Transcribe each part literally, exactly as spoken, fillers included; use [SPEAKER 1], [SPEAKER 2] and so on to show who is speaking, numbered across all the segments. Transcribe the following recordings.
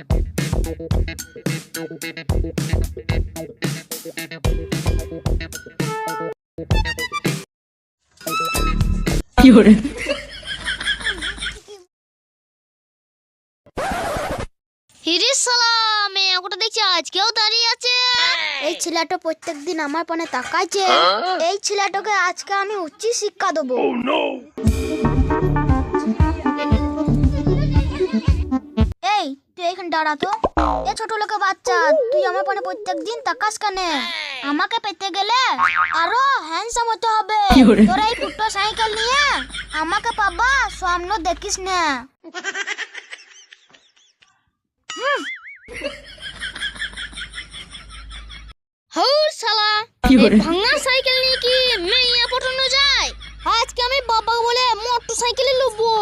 [SPEAKER 1] Fiore.
[SPEAKER 2] হিরে শালা মেয়ে ওটা দেখছি আজকেও দাঁড়িয়ে আছে।
[SPEAKER 3] এই ছেলেটা প্রত্যেকদিন আমার পানে তাকাইছে। এই ছেলেটাকে আজকে আমি উচ্চ শিক্ষা দেবো। এই তুই এখানে দাঁড়া তো। এ ছোট লোকের বাচ্চা, তুই আমার পানে প্রত্যেকদিন তাকাস কেন? আমাকে পেতে গেলে আরো হ্যান্ডসাম হতে হবে। তোর এই ফুটো সাইকেল নিয়ে আমাকে পাবা স্বপ্ন দেখিস না।
[SPEAKER 2] হৌর শালা এই ভাঙা সাইকেল নিয়ে কি মেয়ে পটানো যায়? আজকে আমি বাবা বলে মোটর সাইকেলে লুবো।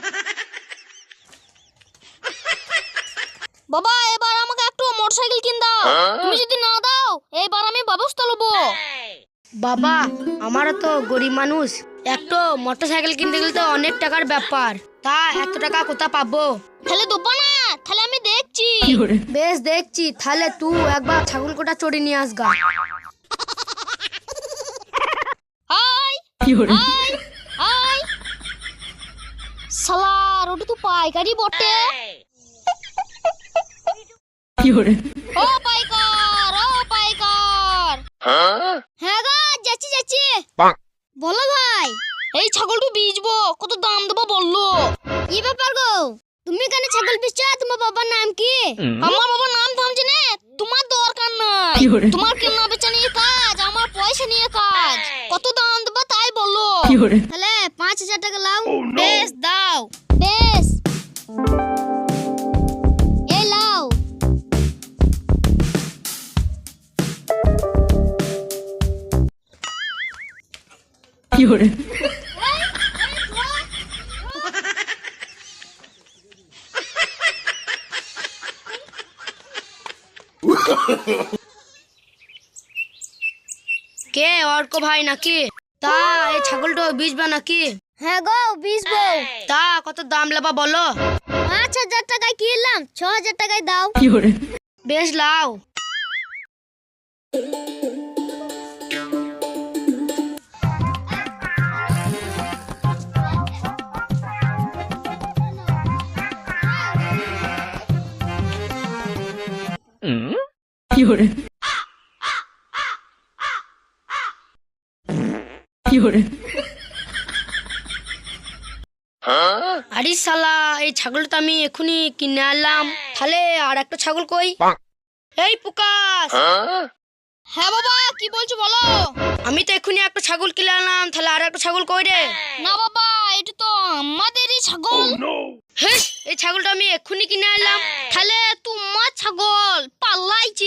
[SPEAKER 2] বাবা এবার আমাকে একটু মোটর সাইকেল কিন দাও। তুমি যদি না দাও এইবার আমি ব্যবস্থা লবো।
[SPEAKER 4] বাবা আমারও তো গরিব মানুষ, একটু মোটর সাইকেল কিনতে গেলে তো অনেক টাকার ব্যাপার, তা এত টাকা কোথা পাবো?
[SPEAKER 2] তাহলে দেবো না, তাহলে আমি দেখছি।
[SPEAKER 4] বেশ দেখছি, তাহলে তুই একবার ছাগল কোটা চড়ে নিয়ে আসগা।
[SPEAKER 2] হাই হাই হাই শালা ওটা তো পাইকারি বটে। ও পাইকার ও পাইকার। হ্যাঁ গো যাচ্ছি যাচ্ছি। বলো ভাই, এই ছাগলটা বেচবো, কত দাম দেবো বললো। কি ব্যাপার গো, তুমি কেন ছাগল বেচছো? তোমার বাবার নাম কি? আমার বাবার নাম থামছে না, তোমার দরকার নাই। তোমার কেনা বেচা নিয়ে কাজ, আমার পয়সা নিয়ে কাজ। কত দাম দেবো তাই বললো।
[SPEAKER 3] তাহলে পাঁচ হাজার টাকা লাও।
[SPEAKER 2] বেশ দাও। বেশ এই লাও।
[SPEAKER 1] Fiore.
[SPEAKER 4] কে অর্ক ভাই নাকি? তা এই ছাগলটা বেচবা নাকি?
[SPEAKER 3] হ্যাঁ গো বেচবো।
[SPEAKER 4] তা কত দাম লেবা বলো?
[SPEAKER 3] পাঁচ হাজার টাকায় কিনলাম, ছ হাজার টাকায় দাও।
[SPEAKER 1] Fiore.
[SPEAKER 4] বেশ লাও।
[SPEAKER 1] Fiore. Fiore.
[SPEAKER 4] আরে শালা এই ছাগলটা আমি এখনই কিনে আনলাম, তাহলে আর একটা ছাগল কই? এই পুকাস।
[SPEAKER 2] হ্যাঁ বাবা কি বলছো বলো।
[SPEAKER 4] আমি তো এখনই একটা ছাগল কিনে আনলাম, তাহলে আর একটা ছাগল কই রে?
[SPEAKER 2] না বাবা এটা তো আমাদেরই ছাগল।
[SPEAKER 4] হেস, এই ছাগলটা আমি এখনই কিনে আনলাম।
[SPEAKER 2] তাহলে তোমার ছাগল পাল্লাইছে।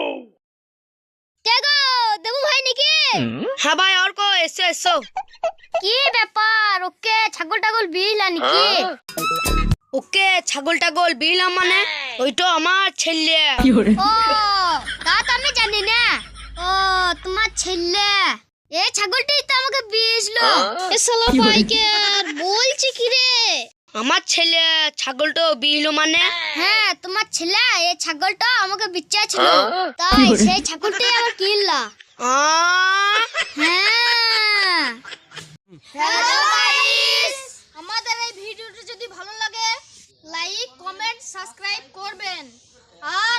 [SPEAKER 3] কে গো, দেবু ভাই নাকি?
[SPEAKER 4] হ্যাঁ ভাই অর্ক, এসো এসো।
[SPEAKER 3] কি ব্যাপার, ওকে ছাগল টাগল বিলা নাকি?
[SPEAKER 4] ওকে ছাগল টাগল বিলাম মানে ওইটা আমার ছেলে।
[SPEAKER 1] Fiore.
[SPEAKER 3] ও তা তো আমি জানি না। ও তোমার ছেলে, এই ছাগলটাই তো আমাকে বিয়েছিল।
[SPEAKER 2] এ শালা পাইকার বলছি কি রে?
[SPEAKER 4] আমার ছেলে ছাগলটা বিলো মানে?
[SPEAKER 3] হ্যাঁ তোমার ছেলে এই ছাগলটা আমাকে বিচ্চাছিল, তাই সেই ছাগলটাই আবার কিনলা।
[SPEAKER 4] আ
[SPEAKER 3] হ্যাঁ।
[SPEAKER 2] হ্যালো গাইস, আমাদের এই ভিডিওটা যদি ভালো লাগে লাইক কমেন্ট সাবস্ক্রাইব করবেন আর